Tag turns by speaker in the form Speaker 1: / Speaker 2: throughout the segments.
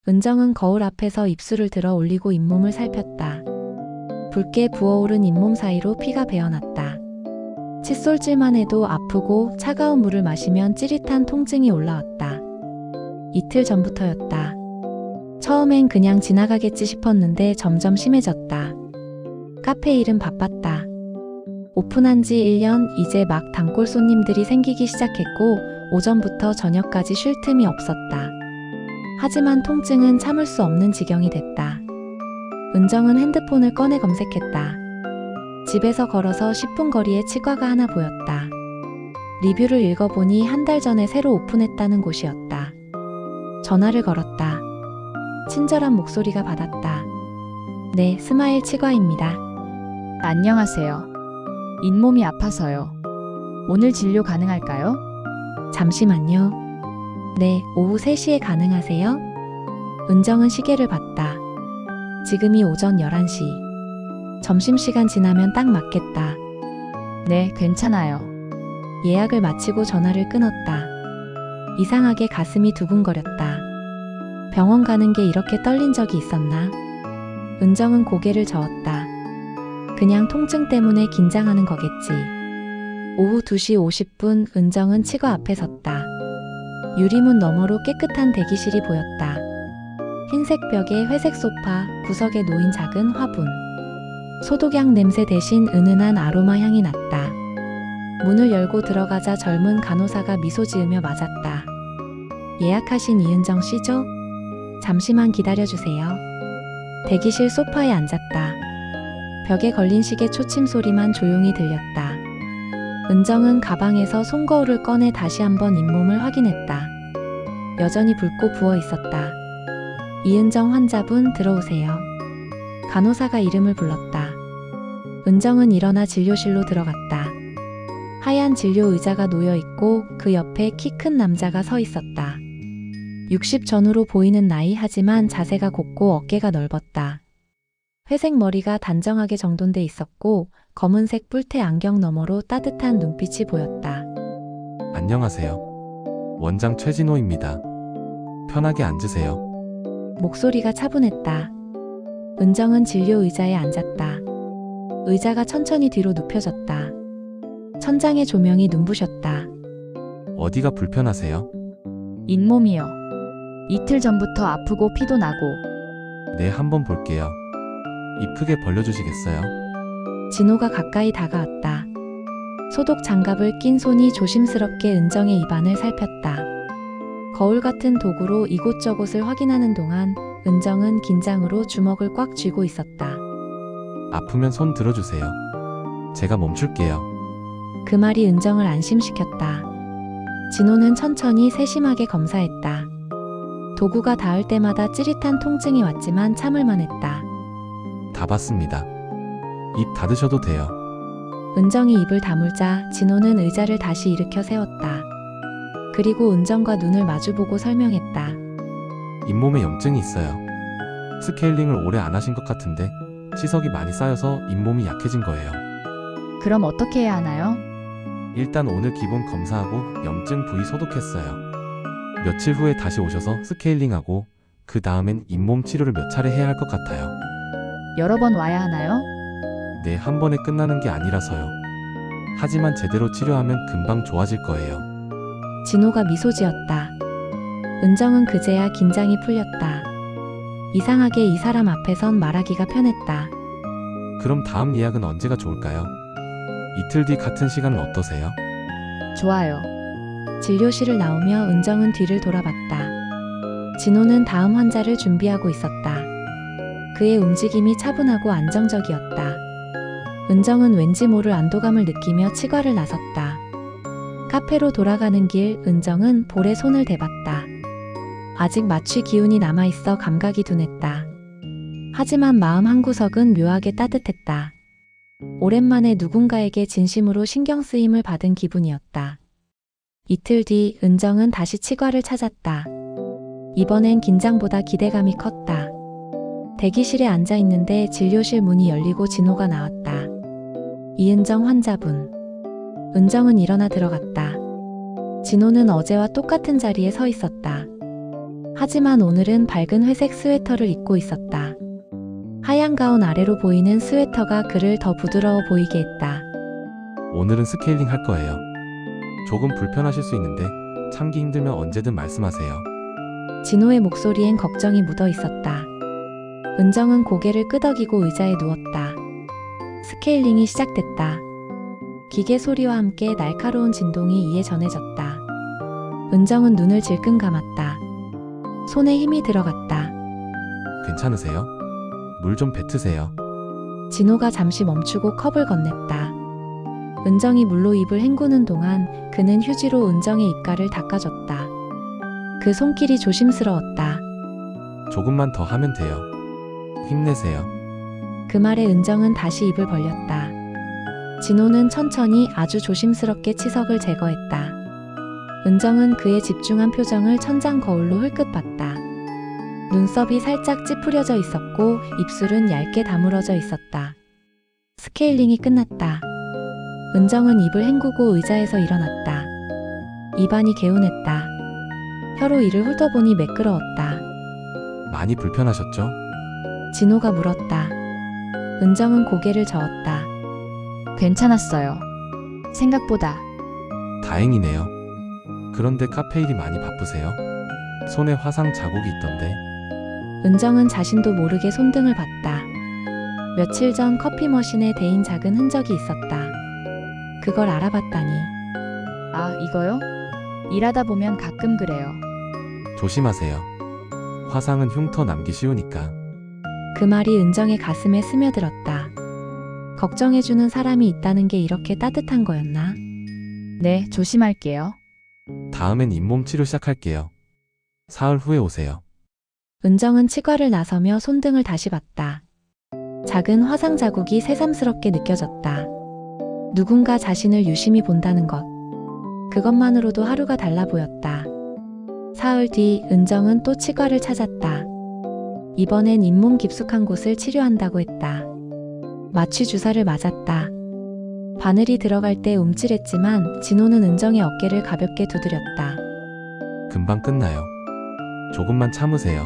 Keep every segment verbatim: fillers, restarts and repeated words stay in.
Speaker 1: 은정은 거울 앞에서 입술을 들어 올리고 잇몸을 살폈다. 붉게 부어오른 잇몸 사이로 피가 배어났다. 칫솔질만 해도 아프고 차가운 물을 마시면 찌릿한 통증이 올라왔다. 이틀 전부터였다. 처음엔 그냥 지나가겠지 싶었는데 점점 심해졌다. 카페 일은 바빴다. 오픈한 지 일 년, 이제 막 단골 손님들이 생기기 시작했고 오전부터 저녁까지 쉴 틈이 없었다. 하지만 통증은 참을 수 없는 지경이 됐다. 은정은 핸드폰을 꺼내 검색했다. 집에서 걸어서 십 분 거리에 치과가 하나 보였다. 리뷰를 읽어보니 한 달 전에 새로 오픈했다는 곳이었다. 전화를 걸었다. 친절한 목소리가 받았다. 네, 스마일 치과입니다.
Speaker 2: 안녕하세요. 잇몸이 아파서요. 오늘 진료 가능할까요?
Speaker 1: 잠시만요. 네, 오후 세 시에 가능하세요? 은정은 시계를 봤다. 지금이 오전 열한 시. 점심시간 지나면 딱 맞겠다.
Speaker 2: 네, 괜찮아요.
Speaker 1: 예약을 마치고 전화를 끊었다. 이상하게 가슴이 두근거렸다. 병원 가는 게 이렇게 떨린 적이 있었나? 은정은 고개를 저었다. 그냥 통증 때문에 긴장하는 거겠지. 오후 두 시 오십 분 은정은 치과 앞에 섰다. 유리문 너머로 깨끗한 대기실이 보였다. 흰색 벽에 회색 소파, 구석에 놓인 작은 화분. 소독약 냄새 대신 은은한 아로마 향이 났다. 문을 열고 들어가자 젊은 간호사가 미소 지으며 맞았다. 예약하신 이은정 씨죠? 잠시만 기다려주세요. 대기실 소파에 앉았다. 벽에 걸린 시계 초침 소리만 조용히 들렸다. 은정은 가방에서 손거울을 꺼내 다시 한번 잇몸을 확인했다. 여전히 붉고 부어 있었다. 이은정 환자분 들어오세요. 간호사가 이름을 불렀다. 은정은 일어나 진료실로 들어갔다. 하얀 진료 의자가 놓여 있고 그 옆에 키 큰 남자가 서 있었다. 육십 전후로 보이는 나이 하지만 자세가 곱고 어깨가 넓었다. 회색 머리가 단정하게 정돈돼 있었고 검은색 뿔테 안경 너머로 따뜻한 눈빛이 보였다.
Speaker 3: 안녕하세요. 원장 최진호입니다. 편하게 앉으세요.
Speaker 1: 목소리가 차분했다. 은정은 진료 의자에 앉았다. 의자가 천천히 뒤로 눕혀졌다. 천장의 조명이 눈부셨다.
Speaker 3: 어디가 불편하세요?
Speaker 2: 잇몸이요. 이틀 전부터 아프고 피도 나고.
Speaker 3: 네, 한번 볼게요. 입 크게 벌려주시겠어요?
Speaker 1: 진호가 가까이 다가왔다. 소독 장갑을 낀 손이 조심스럽게 은정의 입안을 살폈다. 거울 같은 도구로 이곳저곳을 확인하는 동안 은정은 긴장으로 주먹을 꽉 쥐고 있었다.
Speaker 3: 아프면 손 들어주세요. 제가 멈출게요.
Speaker 1: 그 말이 은정을 안심시켰다. 진호는 천천히 세심하게 검사했다. 도구가 닿을 때마다 찌릿한 통증이 왔지만 참을만 했다.
Speaker 3: 다 봤습니다. 입 닫으셔도 돼요.
Speaker 1: 은정이 입을 다물자 진호는 의자를 다시 일으켜 세웠다. 그리고 은정과 눈을 마주보고 설명했다.
Speaker 3: 잇몸에 염증이 있어요. 스케일링을 오래 안 하신 것 같은데 치석이 많이 쌓여서 잇몸이 약해진 거예요.
Speaker 2: 그럼 어떻게 해야 하나요?
Speaker 3: 일단 오늘 기본 검사하고 염증 부위 소독했어요. 며칠 후에 다시 오셔서 스케일링하고 그 다음엔 잇몸 치료를 몇 차례 해야 할 것 같아요.
Speaker 2: 여러 번 와야 하나요?
Speaker 3: 네, 한 번에 끝나는 게 아니라서요. 하지만 제대로 치료하면 금방 좋아질 거예요.
Speaker 1: 진호가 미소 지었다. 은정은 그제야 긴장이 풀렸다. 이상하게 이 사람 앞에선 말하기가 편했다.
Speaker 3: 그럼 다음 예약은 언제가 좋을까요? 이틀 뒤 같은 시간은 어떠세요?
Speaker 2: 좋아요.
Speaker 1: 진료실을 나오며 은정은 뒤를 돌아봤다. 진호는 다음 환자를 준비하고 있었다. 그의 움직임이 차분하고 안정적이었다. 은정은 왠지 모를 안도감을 느끼며 치과를 나섰다. 카페로 돌아가는 길 은정은 볼에 손을 대봤다. 아직 마취 기운이 남아있어 감각이 둔했다. 하지만 마음 한구석은 묘하게 따뜻했다. 오랜만에 누군가에게 진심으로 신경 쓰임을 받은 기분이었다. 이틀 뒤 은정은 다시 치과를 찾았다. 이번엔 긴장보다 기대감이 컸다. 대기실에 앉아 있는데 진료실 문이 열리고 진호가 나왔다. 이은정 환자분. 은정은 일어나 들어갔다. 진호는 어제와 똑같은 자리에 서 있었다. 하지만 오늘은 밝은 회색 스웨터를 입고 있었다. 하얀 가운 아래로 보이는 스웨터가 그를 더 부드러워 보이게 했다.
Speaker 3: 오늘은 스케일링 할 거예요. 조금 불편하실 수 있는데 참기 힘들면 언제든 말씀하세요.
Speaker 1: 진호의 목소리엔 걱정이 묻어 있었다. 은정은 고개를 끄덕이고 의자에 누웠다. 스케일링이 시작됐다. 기계 소리와 함께 날카로운 진동이 이에 전해졌다. 은정은 눈을 질끈 감았다. 손에 힘이 들어갔다.
Speaker 3: 괜찮으세요? 물 좀 뱉으세요.
Speaker 1: 진호가 잠시 멈추고 컵을 건넸다. 은정이 물로 입을 헹구는 동안 그는 휴지로 은정의 입가를 닦아줬다. 그 손길이 조심스러웠다.
Speaker 3: 조금만 더 하면 돼요. 힘내세요.
Speaker 1: 그 말에 은정은 다시 입을 벌렸다. 진호는 천천히 아주 조심스럽게 치석을 제거했다. 은정은 그의 집중한 표정을 천장 거울로 흘끗 봤다. 눈썹이 살짝 찌푸려져 있었고 입술은 얇게 다물어져 있었다. 스케일링이 끝났다. 은정은 입을 헹구고 의자에서 일어났다. 입안이 개운했다. 혀로 이를 훑어보니 매끄러웠다.
Speaker 3: 많이 불편하셨죠?
Speaker 1: 진호가 물었다. 은정은 고개를 저었다.
Speaker 2: 괜찮았어요. 생각보다.
Speaker 3: 다행이네요. 그런데 카페 일이 많이 바쁘세요? 손에 화상 자국이 있던데.
Speaker 1: 은정은 자신도 모르게 손등을 봤다. 며칠 전 커피 머신에 대인 작은 흔적이 있었다. 그걸 알아봤다니.
Speaker 2: 아, 이거요? 일하다 보면 가끔 그래요.
Speaker 3: 조심하세요. 화상은 흉터 남기 쉬우니까.
Speaker 1: 그 말이 은정의 가슴에 스며들었다. 걱정해주는 사람이 있다는 게 이렇게 따뜻한 거였나?
Speaker 2: 네, 조심할게요.
Speaker 3: 다음엔 잇몸 치료 시작할게요. 사흘 후에 오세요.
Speaker 1: 은정은 치과를 나서며 손등을 다시 봤다. 작은 화상 자국이 새삼스럽게 느껴졌다. 누군가 자신을 유심히 본다는 것. 그것만으로도 하루가 달라 보였다. 사흘 뒤 은정은 또 치과를 찾았다. 이번엔 잇몸 깊숙한 곳을 치료한다고 했다. 마취 주사를 맞았다. 바늘이 들어갈 때 움찔했지만 진호는 은정의 어깨를 가볍게 두드렸다.
Speaker 3: 금방 끝나요. 조금만 참으세요.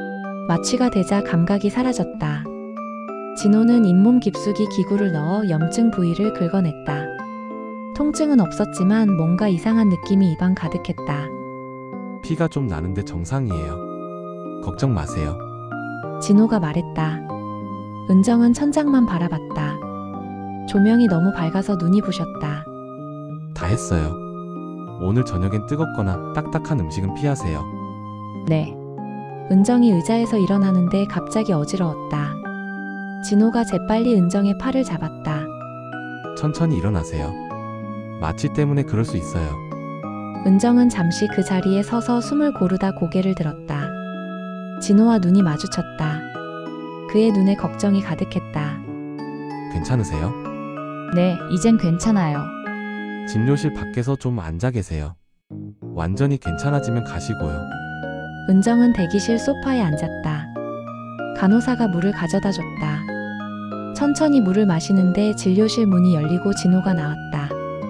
Speaker 1: 마취가 되자 감각이 사라졌다. 진호는 잇몸 깊숙이 기구를 넣어 염증 부위를 긁어냈다. 통증은 없었지만 뭔가 이상한 느낌이 입안 가득했다.
Speaker 3: 피가 좀 나는데 정상이에요. 걱정 마세요.
Speaker 1: 진호가 말했다. 은정은 천장만 바라봤다. 조명이 너무 밝아서 눈이 부셨다.
Speaker 3: 다 했어요. 오늘 저녁엔 뜨겁거나 딱딱한 음식은 피하세요.
Speaker 2: 네.
Speaker 1: 은정이 의자에서 일어나는데 갑자기 어지러웠다. 진호가 재빨리 은정의 팔을 잡았다.
Speaker 3: 천천히 일어나세요. 마취 때문에 그럴 수 있어요.
Speaker 1: 은정은 잠시 그 자리에 서서 숨을 고르다 고개를 들었다. 진호와 눈이 마주쳤다. 그의 눈에 걱정이 가득했다.
Speaker 3: 괜찮으세요?
Speaker 2: 네, 이젠 괜찮아요.
Speaker 3: 진료실 밖에서 좀 앉아 계세요. 완전히 괜찮아지면 가시고요.
Speaker 1: 은정은 대기실 소파에 앉았다. 간호사가 물을 가져다 줬다. 천천히 물을 마시는데 진료실 문이 열리고 진호가 나왔다.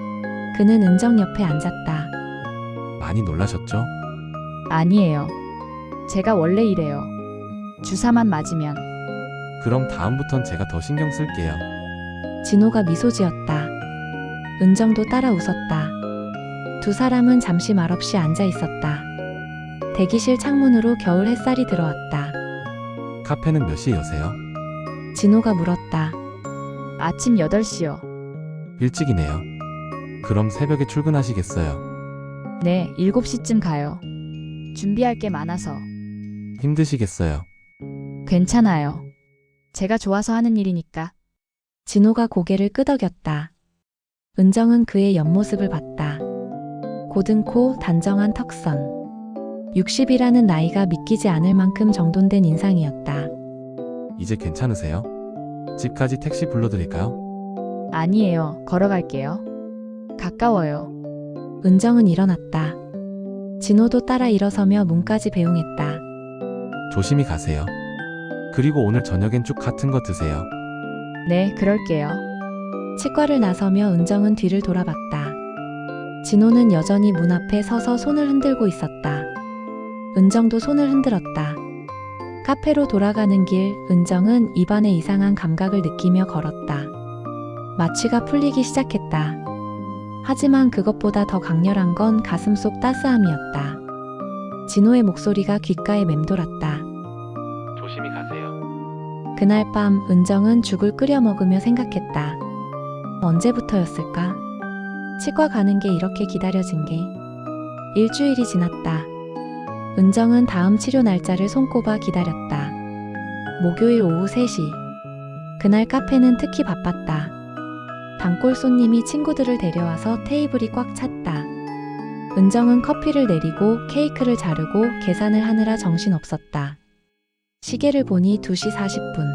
Speaker 1: 그는 은정 옆에 앉았다.
Speaker 3: 많이 놀라셨죠?
Speaker 2: 아니에요. 제가 원래 이래요. 주사만 맞으면.
Speaker 3: 그럼 다음부턴 제가 더 신경 쓸게요.
Speaker 1: 진호가 미소 지었다. 은정도 따라 웃었다. 두 사람은 잠시 말없이 앉아 있었다. 대기실 창문으로 겨울 햇살이 들어왔다.
Speaker 3: 카페는 몇 시에 여세요?
Speaker 1: 진호가 물었다.
Speaker 2: 아침 여덟 시요.
Speaker 3: 일찍이네요. 그럼 새벽에 출근하시겠어요?
Speaker 2: 네, 일곱 시쯤 가요. 준비할 게 많아서.
Speaker 3: 힘드시겠어요?
Speaker 2: 괜찮아요. 제가 좋아서 하는 일이니까.
Speaker 1: 진호가 고개를 끄덕였다. 은정은 그의 옆모습을 봤다. 고든 코, 단정한 턱선. 육십이라는 나이가 믿기지 않을 만큼 정돈된 인상이었다.
Speaker 3: 이제 괜찮으세요? 집까지 택시 불러드릴까요?
Speaker 2: 아니에요. 걸어갈게요. 가까워요.
Speaker 1: 은정은 일어났다. 진호도 따라 일어서며 문까지 배웅했다.
Speaker 3: 조심히 가세요. 그리고 오늘 저녁엔 쭉 같은 거 드세요.
Speaker 2: 네, 그럴게요.
Speaker 1: 치과를 나서며 은정은 뒤를 돌아봤다. 진호는 여전히 문 앞에 서서 손을 흔들고 있었다. 은정도 손을 흔들었다. 카페로 돌아가는 길, 은정은 입안에 이상한 감각을 느끼며 걸었다. 마취가 풀리기 시작했다. 하지만 그것보다 더 강렬한 건 가슴 속 따스함이었다. 진호의 목소리가 귓가에 맴돌았다.
Speaker 3: 조심히 가세요.
Speaker 1: 그날 밤 은정은 죽을 끓여 먹으며 생각했다. 언제부터였을까? 치과 가는 게 이렇게 기다려진 게. 일주일이 지났다. 은정은 다음 치료 날짜를 손꼽아 기다렸다. 목요일 오후 세 시. 그날 카페는 특히 바빴다. 단골 손님이 친구들을 데려와서 테이블이 꽉 찼다. 은정은 커피를 내리고 케이크를 자르고 계산을 하느라 정신없었다. 시계를 보니 두 시 사십 분.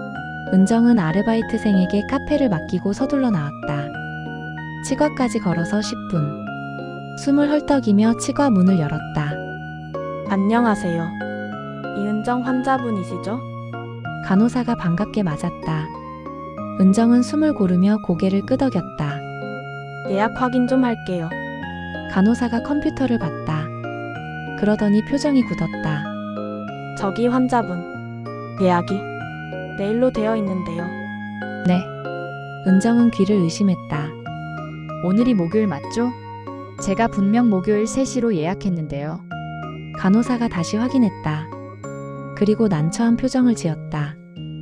Speaker 1: 은정은 아르바이트생에게 카페를 맡기고 서둘러 나왔다. 치과까지 걸어서 십 분. 숨을 헐떡이며 치과 문을 열었다.
Speaker 4: 안녕하세요. 이은정 환자분이시죠?
Speaker 1: 간호사가 반갑게 맞았다. 은정은 숨을 고르며 고개를 끄덕였다.
Speaker 4: 예약 확인 좀 할게요.
Speaker 1: 간호사가 컴퓨터를 봤다. 그러더니 표정이 굳었다.
Speaker 4: 저기 환자분. 예약이 내일로 되어 있는데요.
Speaker 2: 네.
Speaker 1: 은정은 귀를 의심했다.
Speaker 2: 오늘이 목요일 맞죠? 제가 분명 목요일 세 시로 예약했는데요.
Speaker 1: 간호사가 다시 확인했다. 그리고 난처한 표정을 지었다.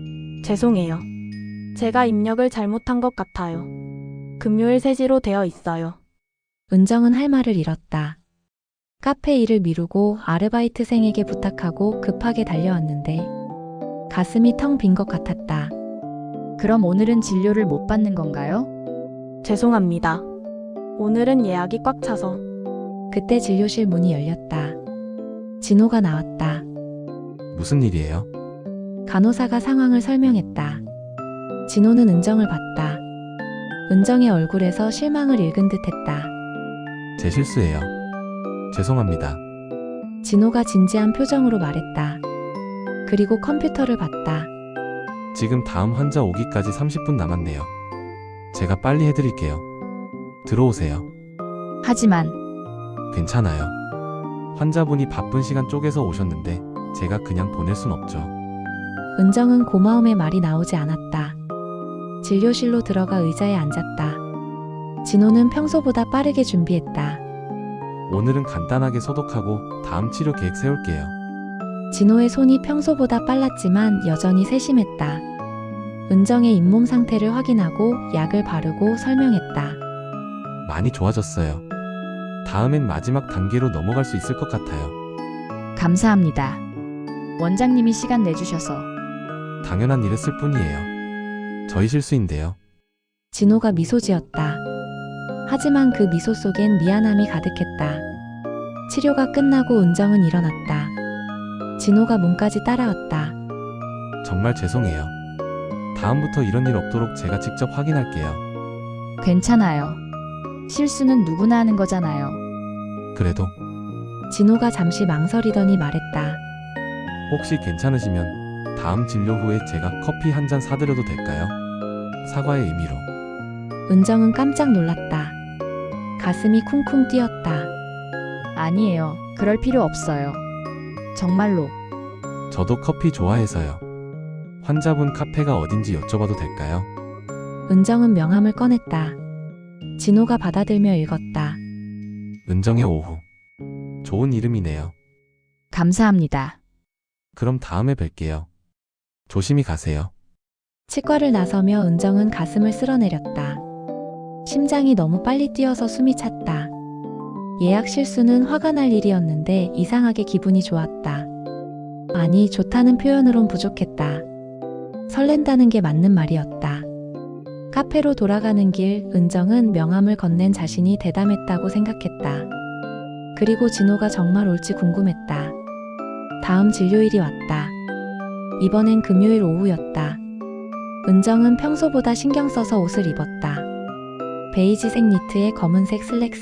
Speaker 4: 죄송해요. 제가 입력을 잘못한 것 같아요. 금요일 세 시로 되어 있어요.
Speaker 1: 은정은 할 말을 잃었다. 카페 일을 미루고 아르바이트생에게 부탁하고 급하게 달려왔는데 가슴이 텅 빈 것 같았다.
Speaker 2: 그럼 오늘은 진료를 못 받는 건가요?
Speaker 4: 죄송합니다. 오늘은 예약이 꽉 차서.
Speaker 1: 그때 진료실 문이 열렸다. 진호가 나왔다.
Speaker 3: 무슨 일이에요?
Speaker 1: 간호사가 상황을 설명했다. 진호는 은정을 봤다. 은정의 얼굴에서 실망을 읽은 듯했다.
Speaker 3: 제 실수예요. 죄송합니다.
Speaker 1: 진호가 진지한 표정으로 말했다. 그리고 컴퓨터를 봤다.
Speaker 3: 지금 다음 환자 오기까지 삼십 분 남았네요. 제가 빨리 해드릴게요. 들어오세요.
Speaker 2: 하지만
Speaker 3: 괜찮아요. 환자분이 바쁜 시간 쪼개서 오셨는데 제가 그냥 보낼 순 없죠.
Speaker 1: 은정은 고마움의 말이 나오지 않았다. 진료실로 들어가 의자에 앉았다. 진호는 평소보다 빠르게 준비했다.
Speaker 3: 오늘은 간단하게 소독하고 다음 치료 계획 세울게요.
Speaker 1: 진호의 손이 평소보다 빨랐지만 여전히 세심했다. 은정의 잇몸 상태를 확인하고 약을 바르고 설명했다.
Speaker 3: 많이 좋아졌어요. 다음엔 마지막 단계로 넘어갈 수 있을 것 같아요.
Speaker 2: 감사합니다. 원장님이 시간 내주셔서.
Speaker 3: 당연한 일했을 뿐이에요. 저희 실수인데요.
Speaker 1: 진호가 미소 지었다. 하지만 그 미소 속엔 미안함이 가득했다. 치료가 끝나고 은정은 일어났다. 진호가 문까지 따라왔다.
Speaker 3: 정말 죄송해요. 다음부터 이런 일 없도록 제가 직접 확인할게요.
Speaker 2: 괜찮아요. 실수는 누구나 하는 거잖아요.
Speaker 3: 그래도
Speaker 1: 진호가 잠시 망설이더니 말했다.
Speaker 3: 혹시 괜찮으시면 다음 진료 후에 제가 커피 한 잔 사드려도 될까요? 사과의 의미로.
Speaker 1: 은정은 깜짝 놀랐다. 가슴이 쿵쿵 뛰었다.
Speaker 2: 아니에요. 그럴 필요 없어요. 정말로.
Speaker 3: 저도 커피 좋아해서요. 환자분 카페가 어딘지 여쭤봐도 될까요?
Speaker 1: 은정은 명함을 꺼냈다. 진호가 받아들며 읽었다.
Speaker 3: 은정의 오후. 좋은 이름이네요.
Speaker 2: 감사합니다.
Speaker 3: 그럼 다음에 뵐게요. 조심히 가세요.
Speaker 1: 치과를 나서며 은정은 가슴을 쓸어내렸다. 심장이 너무 빨리 뛰어서 숨이 찼다. 예약 실수는 화가 날 일이었는데 이상하게 기분이 좋았다. 아니, 좋다는 표현으론 부족했다. 설렌다는 게 맞는 말이었다. 카페로 돌아가는 길, 은정은 명함을 건넨 자신이 대담했다고 생각했다. 그리고 진호가 정말 올지 궁금했다. 다음 진료일이 왔다. 이번엔 금요일 오후였다. 은정은 평소보다 신경 써서 옷을 입었다. 베이지색 니트에 검은색 슬랙스.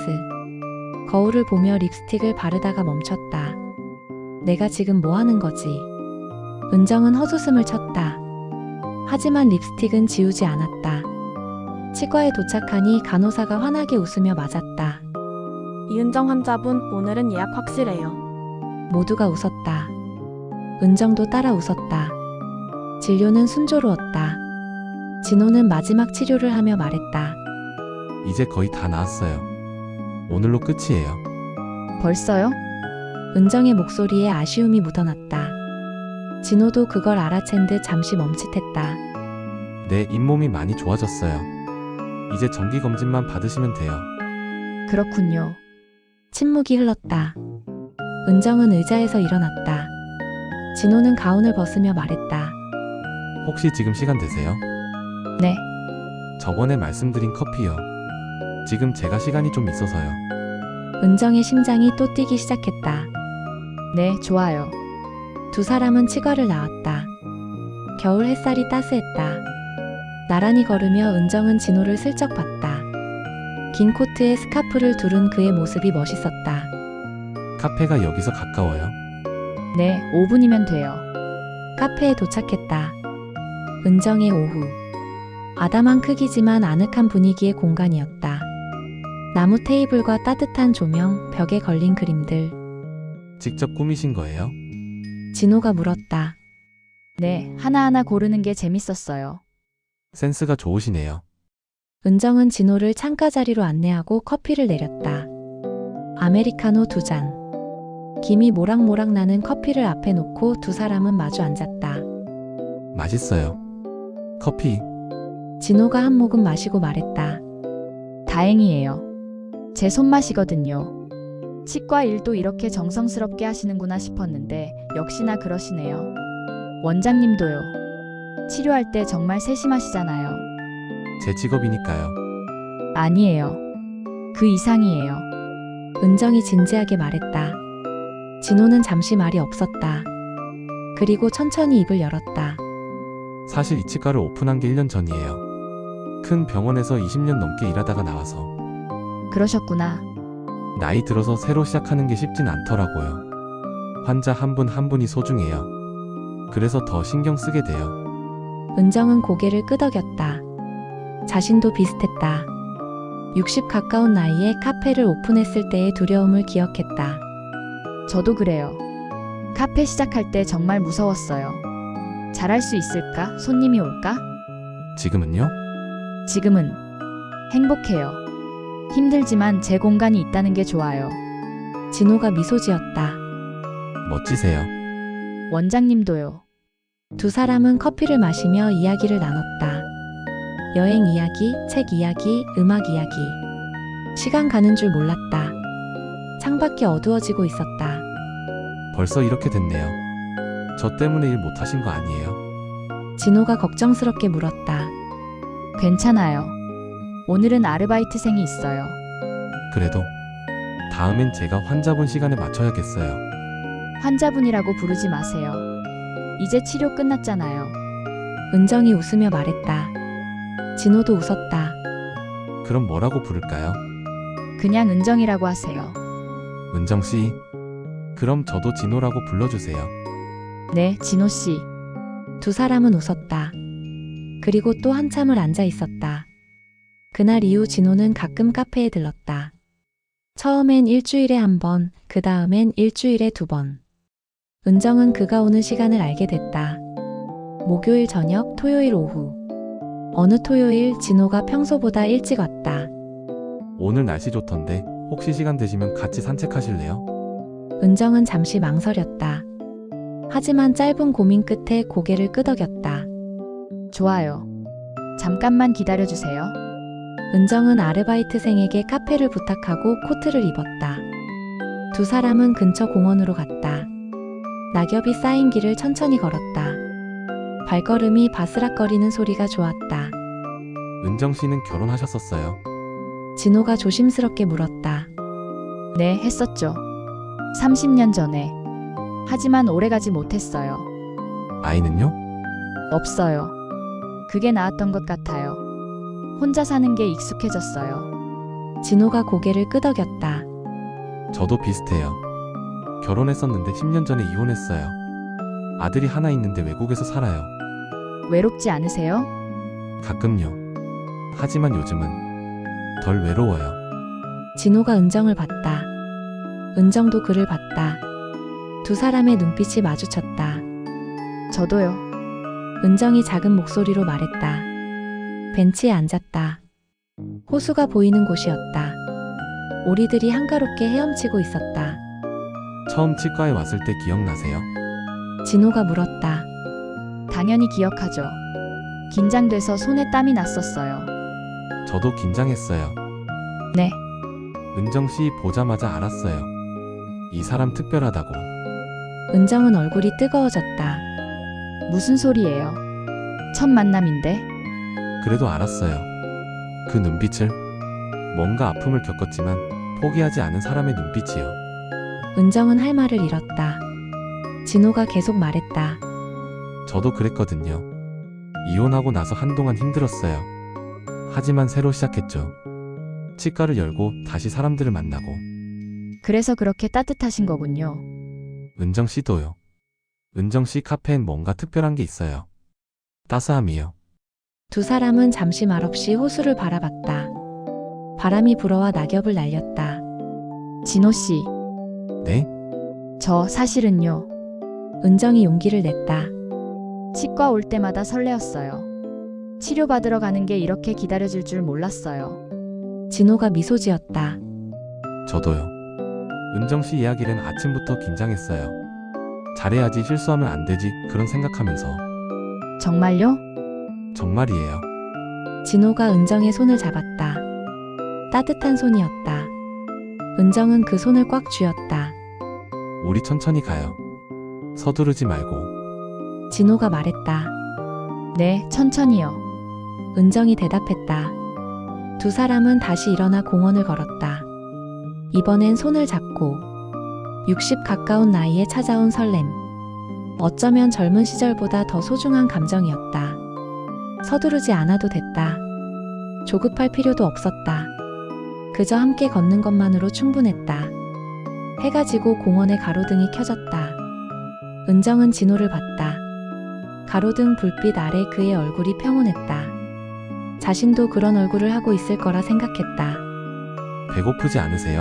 Speaker 1: 거울을 보며 립스틱을 바르다가 멈췄다. 내가 지금 뭐 하는 거지? 은정은 헛웃음을 쳤다. 하지만 립스틱은 지우지 않았다. 치과에 도착하니 간호사가 환하게 웃으며 맞았다.
Speaker 4: 이은정 환자분, 오늘은 예약 확실해요.
Speaker 1: 모두가 웃었다. 은정도 따라 웃었다. 진료는 순조로웠다. 진호는 마지막 치료를 하며 말했다.
Speaker 3: 이제 거의 다 나았어요. 오늘로 끝이에요.
Speaker 2: 벌써요?
Speaker 1: 은정의 목소리에 아쉬움이 묻어났다. 진호도 그걸 알아챈 듯 잠시 멈칫했다.
Speaker 3: 내 잇몸이 많이 좋아졌어요. 이제 정기검진만 받으시면 돼요.
Speaker 2: 그렇군요.
Speaker 1: 침묵이 흘렀다. 은정은 의자에서 일어났다. 진호는 가운을 벗으며 말했다.
Speaker 3: 혹시 지금 시간 되세요?
Speaker 2: 네,
Speaker 3: 저번에 말씀드린 커피요. 지금 제가 시간이 좀 있어서요.
Speaker 1: 은정의 심장이 또 뛰기 시작했다.
Speaker 2: 네, 좋아요.
Speaker 1: 두 사람은 치과를 나왔다. 겨울 햇살이 따스했다. 나란히 걸으며 은정은 진호를 슬쩍 봤다. 긴 코트에 스카프를 두른 그의 모습이 멋있었다.
Speaker 3: 카페가 여기서 가까워요.
Speaker 2: 네, 오 분이면 돼요.
Speaker 1: 카페에 도착했다. 은정의 오후. 아담한 크기지만 아늑한 분위기의 공간이었다. 나무 테이블과 따뜻한 조명, 벽에 걸린 그림들.
Speaker 3: 직접 꾸미신 거예요?
Speaker 1: 진호가 물었다.
Speaker 2: 네, 하나하나 고르는 게 재밌었어요.
Speaker 3: 센스가 좋으시네요.
Speaker 1: 은정은 진호를 창가 자리로 안내하고 커피를 내렸다. 아메리카노 두 잔. 김이 모락모락 나는 커피를 앞에 놓고 두 사람은 마주 앉았다.
Speaker 3: 맛있어요. 커피.
Speaker 1: 진호가 한 모금 마시고 말했다.
Speaker 2: 다행이에요. 제 손맛이거든요. 치과 일도 이렇게 정성스럽게 하시는구나 싶었는데 역시나 그러시네요. 원장님도요. 치료할 때 정말 세심하시잖아요.
Speaker 3: 제 직업이니까요.
Speaker 2: 아니에요. 그 이상이에요.
Speaker 1: 은정이 진지하게 말했다. 진호는 잠시 말이 없었다. 그리고 천천히 입을 열었다.
Speaker 3: 사실 이 치과를 오픈한 게 일 년 전이에요. 큰 병원에서 이십 년 넘게 일하다가 나와서
Speaker 2: 그러셨구나.
Speaker 3: 나이 들어서 새로 시작하는 게 쉽진 않더라고요. 환자 한 분 한 분이 소중해요. 그래서 더 신경 쓰게 돼요.
Speaker 1: 은정은 고개를 끄덕였다. 자신도 비슷했다. 육십 가까운 나이에 카페를 오픈했을 때의 두려움을 기억했다.
Speaker 2: 저도 그래요. 카페 시작할 때 정말 무서웠어요. 잘할 수 있을까? 손님이 올까?
Speaker 3: 지금은요?
Speaker 2: 지금은 행복해요. 힘들지만 제 공간이 있다는 게 좋아요.
Speaker 1: 진호가 미소 지었다.
Speaker 3: 멋지세요.
Speaker 2: 원장님도요.
Speaker 1: 두 사람은 커피를 마시며 이야기를 나눴다. 여행 이야기, 책 이야기, 음악 이야기. 시간 가는 줄 몰랐다. 창밖이 어두워지고 있었다.
Speaker 3: 벌써 이렇게 됐네요. 저 때문에 일 못하신 거 아니에요?
Speaker 1: 진호가 걱정스럽게 물었다.
Speaker 2: 괜찮아요. 오늘은 아르바이트생이 있어요.
Speaker 3: 그래도 다음엔 제가 환자분 시간에 맞춰야겠어요.
Speaker 2: 환자분이라고 부르지 마세요. 이제 치료 끝났잖아요.
Speaker 1: 은정이 웃으며 말했다. 진호도 웃었다.
Speaker 3: 그럼 뭐라고 부를까요?
Speaker 2: 그냥 은정이라고 하세요.
Speaker 3: 은정씨. 그럼 저도 진호라고 불러주세요.
Speaker 2: 네, 진호 씨.
Speaker 1: 두 사람은 웃었다. 그리고 또 한참을 앉아 있었다. 그날 이후 진호는 가끔 카페에 들렀다. 처음엔 일주일에 한 번, 그 다음엔 일주일에 두 번. 은정은 그가 오는 시간을 알게 됐다. 목요일 저녁, 토요일 오후. 어느 토요일 진호가 평소보다 일찍 왔다.
Speaker 3: 오늘 날씨 좋던데 혹시 시간 되시면 같이 산책하실래요?
Speaker 1: 은정은 잠시 망설였다. 하지만 짧은 고민 끝에 고개를 끄덕였다.
Speaker 2: 좋아요. 잠깐만 기다려주세요.
Speaker 1: 은정은 아르바이트생에게 카페를 부탁하고 코트를 입었다. 두 사람은 근처 공원으로 갔다. 낙엽이 쌓인 길을 천천히 걸었다. 발걸음이 바스락거리는 소리가 좋았다.
Speaker 3: 은정 씨는 결혼하셨었어요?
Speaker 1: 진호가 조심스럽게 물었다.
Speaker 2: 네, 했었죠. 삼십 년 전에. 하지만 오래가지 못했어요.
Speaker 3: 아이는요?
Speaker 2: 없어요. 그게 나았던 것 같아요. 혼자 사는 게 익숙해졌어요.
Speaker 1: 진호가 고개를 끄덕였다.
Speaker 3: 저도 비슷해요. 결혼했었는데 십 년 전에 이혼했어요. 아들이 하나 있는데 외국에서 살아요.
Speaker 2: 외롭지 않으세요?
Speaker 3: 가끔요. 하지만 요즘은 덜 외로워요.
Speaker 1: 진호가 은정을 봤다. 은정도 그를 봤다. 두 사람의 눈빛이 마주쳤다.
Speaker 2: 저도요.
Speaker 1: 은정이 작은 목소리로 말했다. 벤치에 앉았다. 호수가 보이는 곳이었다. 오리들이 한가롭게 헤엄치고 있었다.
Speaker 3: 처음 치과에 왔을 때 기억나세요?
Speaker 1: 진호가 물었다.
Speaker 2: 당연히 기억하죠. 긴장돼서 손에 땀이 났었어요.
Speaker 3: 저도 긴장했어요.
Speaker 2: 네,
Speaker 3: 은정 씨 보자마자 알았어요. 이 사람 특별하다고.
Speaker 1: 은정은 얼굴이 뜨거워졌다.
Speaker 2: 무슨 소리예요? 첫 만남인데?
Speaker 3: 그래도 알았어요. 그 눈빛을. 뭔가 아픔을 겪었지만 포기하지 않은 사람의 눈빛이요.
Speaker 1: 은정은 할 말을 잃었다. 진호가 계속 말했다.
Speaker 3: 저도 그랬거든요. 이혼하고 나서 한동안 힘들었어요. 하지만 새로 시작했죠. 치과를 열고 다시 사람들을 만나고.
Speaker 2: 그래서 그렇게 따뜻하신 거군요.
Speaker 3: 은정 씨도요. 은정 씨 카페엔 뭔가 특별한 게 있어요. 따스함이요.
Speaker 1: 두 사람은 잠시 말없이 호수를 바라봤다. 바람이 불어와 낙엽을 날렸다.
Speaker 2: 진호 씨,
Speaker 3: 네?
Speaker 2: 저 사실은요.
Speaker 1: 은정이 용기를 냈다.
Speaker 2: 치과 올 때마다 설레었어요. 치료받으러 가는 게 이렇게 기다려질 줄 몰랐어요.
Speaker 1: 진호가 미소 지었다.
Speaker 3: 저도요. 은정 씨 이야기는 아침부터 긴장했어요. 잘해야지, 실수하면 안 되지, 그런 생각하면서.
Speaker 2: 정말요?
Speaker 3: 정말이에요.
Speaker 1: 진호가 은정의 손을 잡았다. 따뜻한 손이었다. 은정은 그 손을 꽉 쥐었다.
Speaker 3: 우리 천천히 가요. 서두르지 말고.
Speaker 1: 진호가 말했다.
Speaker 2: 네, 천천히요.
Speaker 1: 은정이 대답했다. 두 사람은 다시 일어나 공원을 걸었다. 이번엔 손을 잡고 육십 가까운 나이에 찾아온 설렘. 어쩌면 젊은 시절보다 더 소중한 감정이었다. 서두르지 않아도 됐다. 조급할 필요도 없었다. 그저 함께 걷는 것만으로 충분했다. 해가 지고 공원의 가로등이 켜졌다. 은정은 진호를 봤다. 가로등 불빛 아래 그의 얼굴이 평온했다. 자신도 그런 얼굴을 하고 있을 거라 생각했다.
Speaker 3: 배고프지 않으세요?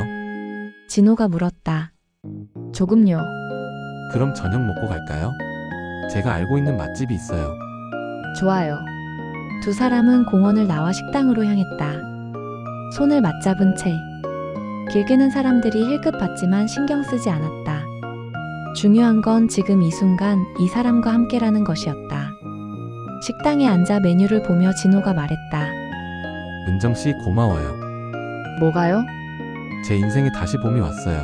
Speaker 1: 진호가 물었다.
Speaker 2: 조금요.
Speaker 3: 그럼 저녁 먹고 갈까요? 제가 알고 있는 맛집이 있어요.
Speaker 2: 좋아요.
Speaker 1: 두 사람은 공원을 나와 식당으로 향했다. 손을 맞잡은 채. 길게는 사람들이 힐끗 봤지만 신경 쓰지 않았다. 중요한 건 지금 이 순간 이 사람과 함께라는 것이었다. 식당에 앉아 메뉴를 보며 진호가 말했다.
Speaker 3: 은정 씨 고마워요.
Speaker 2: 뭐가요?
Speaker 3: 제 인생에 다시 봄이 왔어요.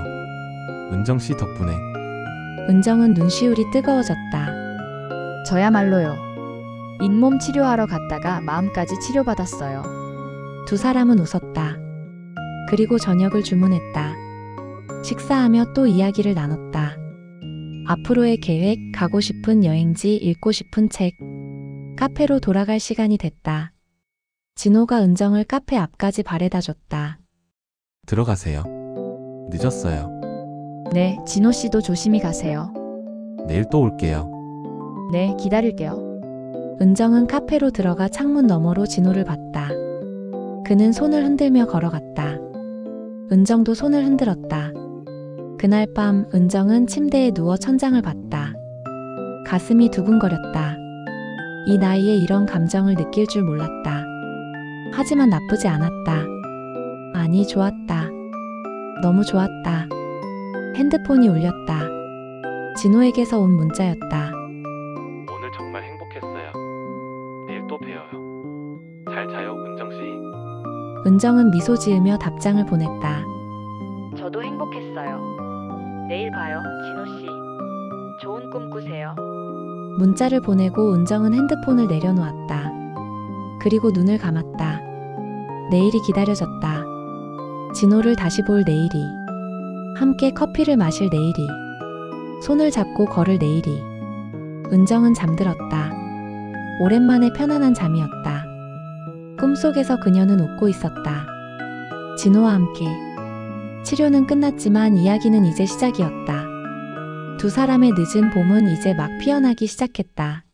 Speaker 3: 은정 씨 덕분에.
Speaker 1: 은정은 눈시울이 뜨거워졌다.
Speaker 2: 저야말로요. 잇몸 치료하러 갔다가 마음까지 치료받았어요.
Speaker 1: 두 사람은 웃었다. 그리고 저녁을 주문했다. 식사하며 또 이야기를 나눴다. 앞으로의 계획, 가고 싶은 여행지, 읽고 싶은 책. 카페로 돌아갈 시간이 됐다. 진호가 은정을 카페 앞까지 바래다 줬다.
Speaker 3: 들어가세요. 늦었어요.
Speaker 2: 네, 진호 씨도 조심히 가세요.
Speaker 3: 내일 또 올게요.
Speaker 2: 네, 기다릴게요.
Speaker 1: 은정은 카페로 들어가 창문 너머로 진호를 봤다. 그는 손을 흔들며 걸어갔다. 은정도 손을 흔들었다. 그날 밤 은정은 침대에 누워 천장을 봤다. 가슴이 두근거렸다. 이 나이에 이런 감정을 느낄 줄 몰랐다. 하지만 나쁘지 않았다. 아니, 좋았다. 너무 좋았다. 핸드폰이 울렸다. 진호에게서 온 문자였다.
Speaker 3: 오늘 정말 행복했어요. 내일 또 봬요. 잘 자요, 은정 씨.
Speaker 1: 은정은 미소 지으며 답장을 보냈다.
Speaker 2: 저도 행복했어요. 내일 봐요, 진호 씨. 좋은 꿈 꾸세요.
Speaker 1: 문자를 보내고 은정은 핸드폰을 내려놓았다. 그리고 눈을 감았다. 내일이 기다려졌다. 진호를 다시 볼 내일이. 함께 커피를 마실 내일이. 손을 잡고 걸을 내일이. 은정은 잠들었다. 오랜만에 편안한 잠이었다. 꿈속에서 그녀는 웃고 있었다. 진호와 함께. 치료는 끝났지만 이야기는 이제 시작이었다. 두 사람의 늦은 봄은 이제 막 피어나기 시작했다.